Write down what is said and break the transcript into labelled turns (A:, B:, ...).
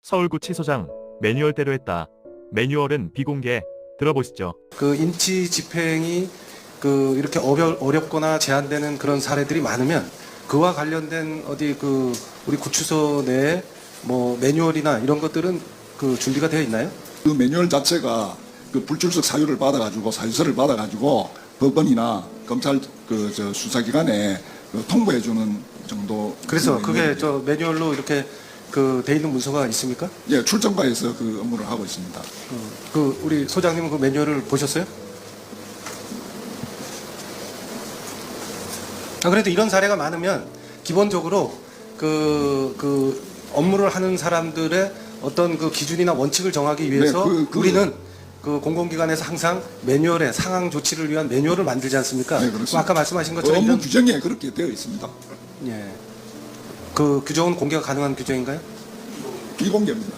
A: 서울구치소장 매뉴얼대로 했다. 매뉴얼은 비공개. 들어보시죠.
B: 그 인치 집행이 그 이렇게 어렵거나 제한되는 그런 사례들이 많으면 그와 관련된 어디 그 우리 구치소 내에 뭐 매뉴얼이나 이런 것들은 그 준비가 되어 있나요?
C: 그 매뉴얼 자체가 그 불출석 사유를 받아가지고 사유서를 받아가지고 법원이나 검찰 저 수사기관에 그 통보해주는 정도.
B: 그래서 그게 저 매뉴얼로 이렇게 그 돼 있는 문서가 있습니까?
C: 예, 출정과에서 그 업무를 하고 있습니다.
B: 그 우리 소장님은 그 매뉴얼을 보셨어요? 그래도 이런 사례가 많으면 기본적으로 그 업무를 하는 사람들의 어떤 그 기준이나 원칙을 정하기 위해서
C: 네,
B: 우리는 그 공공기관에서 항상 매뉴얼에 상황 조치를 위한 매뉴얼을 만들지 않습니까?
C: 네, 그렇습니다.
B: 아까 말씀하신 것처럼
C: 업무
B: 이런
C: 규정에 그렇게 되어 있습니다.
B: 예. 그 규정은 공개가 가능한 규정인가요?
C: 비공개입니다.